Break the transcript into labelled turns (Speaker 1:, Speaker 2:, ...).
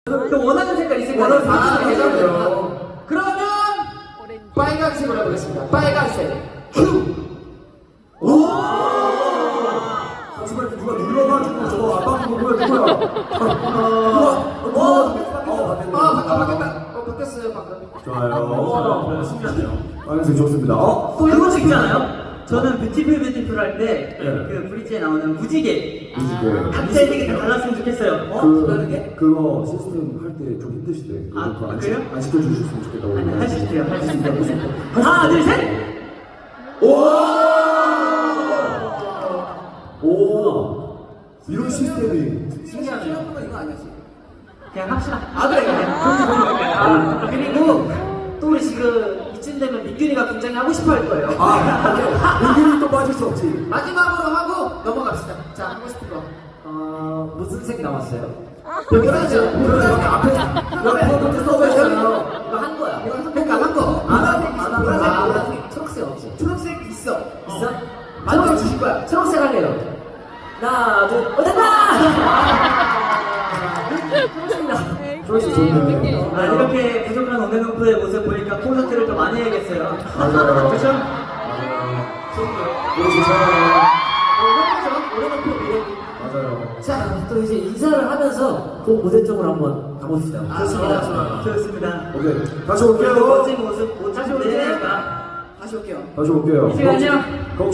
Speaker 1: 또 원하는 색깔 있을 거예요.
Speaker 2: 되잖아요. 그러면 빨간색으로 해보겠습니다. 빨간색 큐.
Speaker 3: 오! 정말 누가 눌러가지고 저거 아빠 누구야?
Speaker 2: 바뀌었다. 바뀌었어요 방금.
Speaker 3: 좋아요. 신기하네요. 빨간색 좋습니다.
Speaker 1: 또 이런 거 있잖아요. 저는 뷰티풀 할 때
Speaker 3: 네.
Speaker 1: 그 브릿지에 나오는 무지개
Speaker 3: 무지개.
Speaker 1: 각자의 색이 다 달랐으면 좋겠어요. 다르게?
Speaker 3: 그거 시스템 할 때 좀 힘드시대.
Speaker 1: 아,
Speaker 3: 그거
Speaker 1: 그래요?
Speaker 3: 안 시켜주셨으면 좋겠다고.
Speaker 1: 아니, 할 수 있대요. 할 수 있대요. 하나, 둘, 셋!
Speaker 3: 오! 이런 시스템이.
Speaker 2: 신기하네요. 이거 아니었어.
Speaker 1: 그냥 합시다.
Speaker 2: 그래. 그리고 또 우리 지금 이쯤 되면 민균이가 굉장히 하고 싶어 할 거예요.
Speaker 3: 민균이 또 빠질 수 없지.
Speaker 2: 마지막으로 하고 넘어갑시다. 자, 하고 싶은 거.
Speaker 4: 무슨 색 남았어요?
Speaker 2: 여기 하죠. 여기 앞에.
Speaker 4: 여기 써보잖아요. 이거 한 거야.
Speaker 2: 그러니까 한 거.
Speaker 4: 보라색, 초록색 없지?
Speaker 2: 초록색 있어.
Speaker 4: 있어?
Speaker 2: 만들어 주실 거야.
Speaker 4: 초록색 할래요. 하나, 둘, 됐다!
Speaker 3: 초록색 좋네.
Speaker 1: 아, 이렇게 부족한 온앤오프의 모습 보니까 콘서트를 더 많이 해야겠어요.
Speaker 3: 맞아요.
Speaker 1: 그렇죠?
Speaker 3: 이거 좋잖아요.
Speaker 2: 오래놓고 미래기.
Speaker 3: 맞아요.
Speaker 4: 자, 또 이제 인사를 하면서 그 무대 쪽으로 한번 가봅시다.
Speaker 2: 좋습니다.
Speaker 1: 좋습니다.
Speaker 3: 오케이. 다시
Speaker 1: 그리고
Speaker 3: 올게요.
Speaker 1: 멋진 모습 못
Speaker 2: 다시
Speaker 1: 찾을
Speaker 2: 올게요.
Speaker 1: 때니까
Speaker 2: 다시 올게요.
Speaker 3: 다시 올게요.
Speaker 1: 이 시간이요.